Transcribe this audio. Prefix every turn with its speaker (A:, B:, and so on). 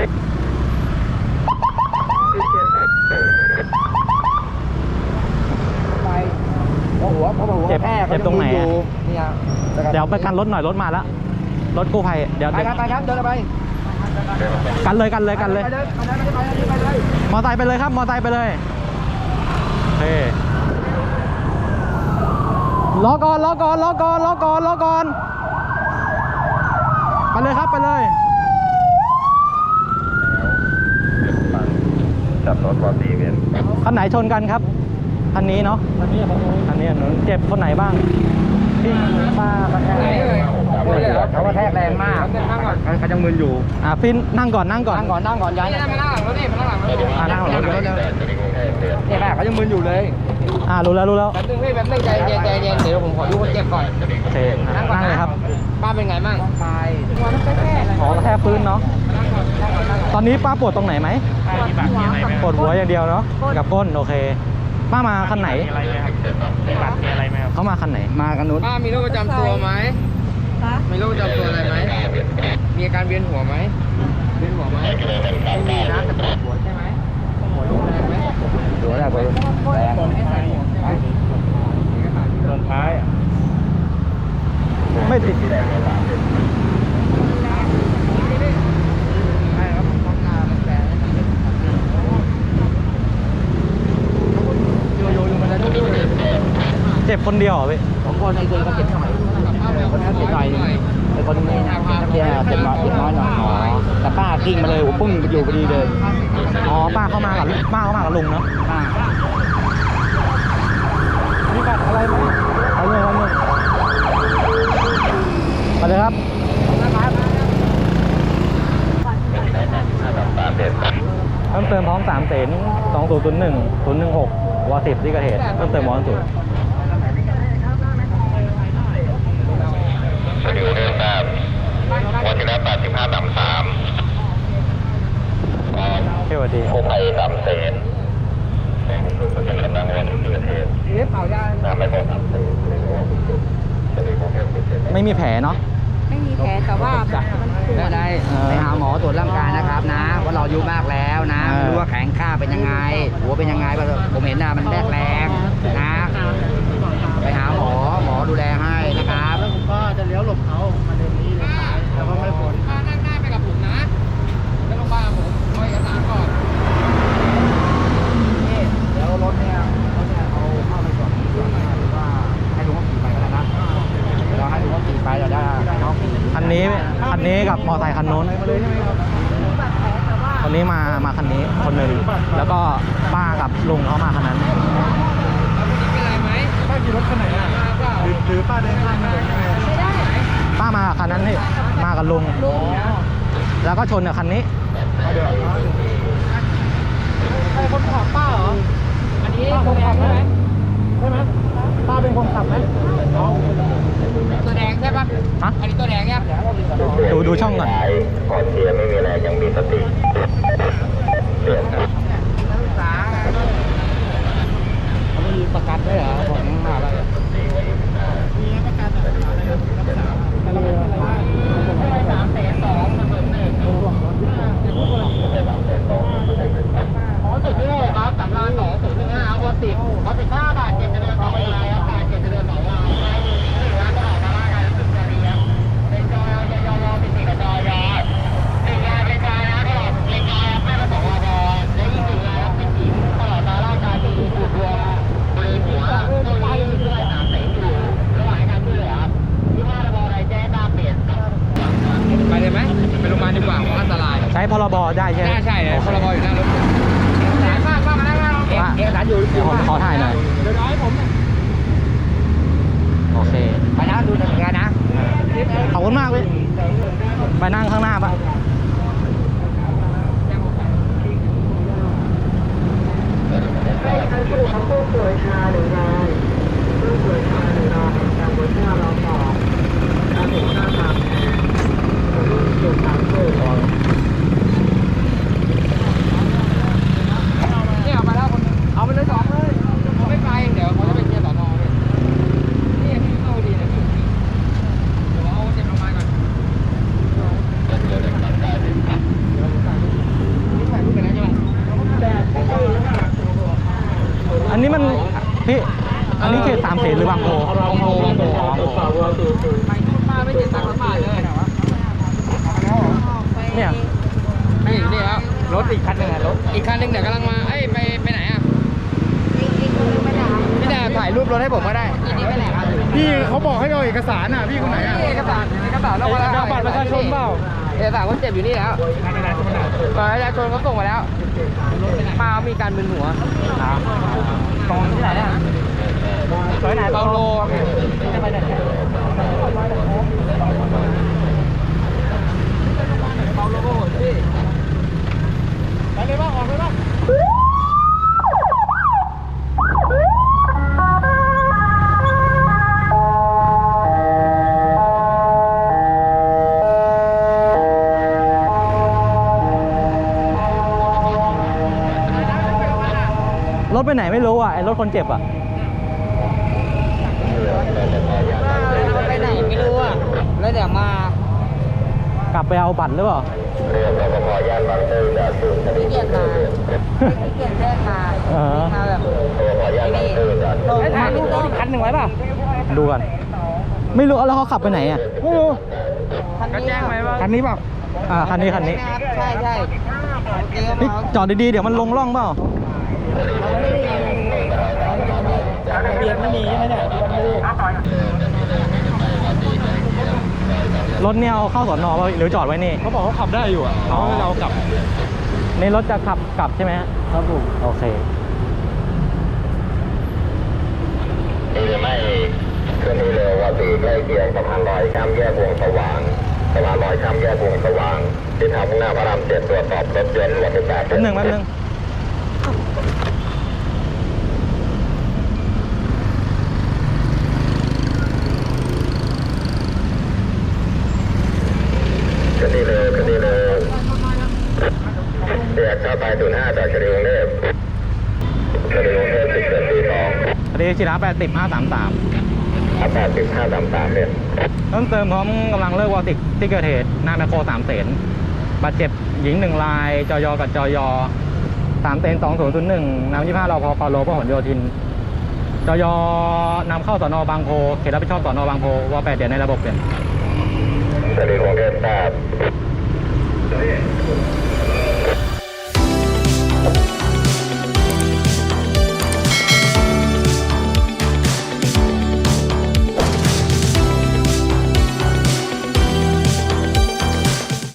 A: เจ็บตรงไหนอ่ะเดี๋ยวไปกันรถหน่อยรถมาแล้วรถกู้ภัยเดี๋ยว
B: ไปครับเดินไป
A: กันเลยมอไซค์ไปเลยครับมอไซค์ไปเลยโอเครอก่อนไปเลยครับไปเลย
C: จับรถวอร์ตีเวียน
A: คันไหนชนกันครับคันนี้เนาะคันนี้เจ็บคนไหนบ้าง
B: ที่ป้ากระแทกเขากระแทกแรงมากเขาจะมึนอยู่
A: ฟินนั่งก่อนย้าย
B: นั่งก่อนย้ายมานั่งหลังรถนี่มานั่งหลังรถนี่ค่ะเขาจะมึนอยู่เลย
A: รู้แล้ว
B: แป๊บนึงใจเย็นเดี๋ยวผมขอดูคนเจ็บก่อน
A: โอเคนั่งเลยครับ
B: ป้าเป็นไงบ้าง
A: ขอกระแทกพื้นเนาะตอนนี้ป้าปวดตรงไหนไหมปวดหัวอย่างเดียวเนาะกับก้นโอเคป้ามาคันไหนเขามาคันไหน
B: มากันนู้นป้ามีโรคประจำตัวไหมมีโรคประจำตัวอะไรไหมมีอาการเวียนหัวไหมไม่มีนะแต่ปวดหัวใช่ไหมหัวรุนแรงไหมหัวแรงไปแรง
C: ตอนท้าย
A: ไม่ติดเจ็บคนเดียวเหรอพี่
B: 2 คนไอ้คนเขาเจ็บหน่อยคนเขาเจ็บหน่อยไอ้คนนี้นักเรียนเจ็บน้อยหน่อยแต่ป้ากิ้งมาเลยผมปุ้งอยู่พอดีเลย
A: ป้าเข้ามากับลุงเนาะมีบัตรอะไรไหมเอาเลยไปเลยครับเพิ่มเติมพร้อม3 เสน2001-016 ว10ที่เกิดเหตุเพิ่มเติมมอสุด
C: สวัสดีเรื่องทราบวันที่แล้ว85 3
A: สวัสดี
C: กู้ภัย3 เสนเป็นกำลังวันที่เกิดเหตุไม่พอ3 เสน
A: ไม่มีแผลเนาะ
D: ไม่มีแผลแต่ว่า
B: ได้ไปหาหมอตรวจร่างกายนะครับนะว่าเราอายุมากแล้วนะรู้ว่าแข็งข้าเป็นยังไงหัวเป็นยังไงผมเห็นนะมันแรงนะไปหาหมอดูแลให้นะครับแล้วผมก็จะเลี้ยวหลบเขามาเดินนี้เลยแล้วก็ไม่พ้นนั่งหน้าไปกับผมนะแล้วลงบ้านผมคอยเอกสารก่อนนี่เดี๋ยวรถเนี่ยเอาเข้าไปก่อนหรือว่าให้ลุงเขาขี่ไปก็ได้นะเราให้ลุงเขาขี่ไปเราได้น้อง
A: คันนี้กับมอไซค์คันโน้นคนนี้มาคันนี้คนหนึ่งแล้วก็ป้ากับลุงเขามาคันนั้น
B: ป้าขี่รถคันไหนอ่ะหรือป้าเดินข้ามมาหรือยังไง
A: ป้ามาคันนั้นนี่มากับลุงแล้วก็ชนกับคันนี้
B: ใครคนขับป้าเหรออันนี้คนขับใช่ไหมป้าเป็นคนขับไหมตัวแดงใช่ปะอันนี้ตัวแดงเนี่ย
A: ดูช่องก่อน
C: ขอเสียไม่มีอะไรยังมีสติเสียครับ
B: มีประกันด้วยเหรอของอะไรมีประกันอะไร3 เสน 2ขอสุดที่เลยครับสำราญ205เอา10ขอ15 บาท7จะเดินต่อไปอะไรครับ7จะเดินต่อว่าร้านตลาดมาการสุดจะดีครับเป็นจอยเป็น4กับจอยเป็นงานเป็นจอยนะตลอดเป็นจอยไม่ประสงค์รอได้ยิ่งดีนะครับเป็นทีมตลอดตาร่างกายที่ถูกรวมบริหัวตัวนี้ด้วย3 เสนอยู่ระหว่างการช่วยเหลือครับที่ว่าระบบอะไรแจ้งตามเปลี่ยนไปเลยไหมไปโรงพยาบาลดีกว่าเพราะอันตราย
A: ใช้พรบได้ใช่ไหม
B: ใช่พรบอยู่หน้ารถป้ามานั่งเอกสารอยู่
A: ขอถ่ายหน่อย
B: เดี๋ยวน้อยผม
A: โอเค
B: ไปนะดูทางการนะ
A: ขอบคุณมากเลยไปนั่งข้างหน้าปะ
E: ผู้ป่วยชา1 รายผู้ป่วยชา1 รายจากบนหน้าเราต่อการถึงหน้าทางรุ่นจุดทางเพื่อ
B: นี่เอามาแล้วคนเอาไปเลย2เลยเขาไม่ไปเดี๋ยวเขาจะไปเคลียร์สอนอเลยนี่ที่เข้าดีนะพี่เดี๋ยวเอาเจ็บลงมาก่อน
A: พี่อันนี้เขตสามเสนหรือบางโพ
E: บางโพบางโพ
B: ไปนู่นป้าไม่เจ็บตังค์บาทเลย
A: เนี่ย
B: ไม่อยู่นี่แล้วรถอีกคันหนึ่งอะรถอีกคันหนึ่งเดี๋ยวกำลังมาเอ้ยไปไหนอะพี่ดาถ่ายรูปรถให้ผมก็ได้นี่ไปไหนครับ
D: พี่เขาบอกให้เอาเอกสารอ่ะพี่คนไหนอ่ะ
B: เอกสารเรามาแล้ว
D: บัตรประชาชนเปล่า
B: เอกสารคนเจ็บอยู่นี่แล้วบัตรประชาชนเขาส่งมาแล้วป้ามีการมึนหัวตรงที่ไหนเนี่ยซอยไหนเปาโลจะไปไหนเปาโลก็โหดพี่ไปเลยบ้างออกเลยบ้าง
A: รถไปไหนไม่รู้อ่ะไอ้รถคนเจ็บอ่ะ
B: ไปไหนไม่รู้อ่ะแล้วเดี๋ยวมาก
A: ลับไปเอาบัตรหรือเปล่า
C: เรือรปภย่านบางซื่อจากศูนย์คดี
B: เกียรติมาเกียรติแจ้งมามาแบบ
C: รปภย่านบางซื่อจากศูนย์
B: ถ่ายรูปรถอีกคันหนึ่งไว้ป่ะ
A: ดูกัน ไม่รู้แล้วเขาขับไปไหนอ่ะ
B: ก็แจ้งไว้ว่า
D: คันนี้เปล่า
A: คันนี้
B: ใช่ใช่
A: นี่จอดดีๆเดี๋ยวมันลงร่องเปล่า
B: เบียร์ไม่มีใช่ไหมเนี่ย
A: รถเนี่ยเอาเข้าสอนอป่ะหรือจอดไว้นี่
D: เขาบอกเขาขับได้อยู่อ่ะเขาให้เรากลับ
A: ในรถจะขับกลับใช่ไหมฮะครับผมโอเค
C: นี่จะไม่เคลื่อนที่เร็วกว่าปีใกล้เคียงสะพานลอยข้ามแยกวงสว่างสะพานลอยข้ามแยกวงสว่างที่ทางมุ่งหน้าพระราม7ตรวจสอบรถยนต์รถทุกแบบ
A: แป๊บนึง
C: คดีเร็วแยกเข้าไป05จากคดีกรุงเทพคดีกรุงเทพ10.42
A: คดีชิระ80533
C: 80533เนี่ย
A: เพิ่มเติมพร้อมกำลังเลิกวอติกที่เกิดเหตุหน้าแมคโคร3 เสนบาดเจ็บหญิง1 รายจยกับจย3 เสน2001นำ25รพปาโลพหลโยธินจยนำเข้าสนบางโพเขตรับผิดชอบสนบางโพว8เดือนในระบบเปลี่ยน
C: คดีกรุงเทพทราบ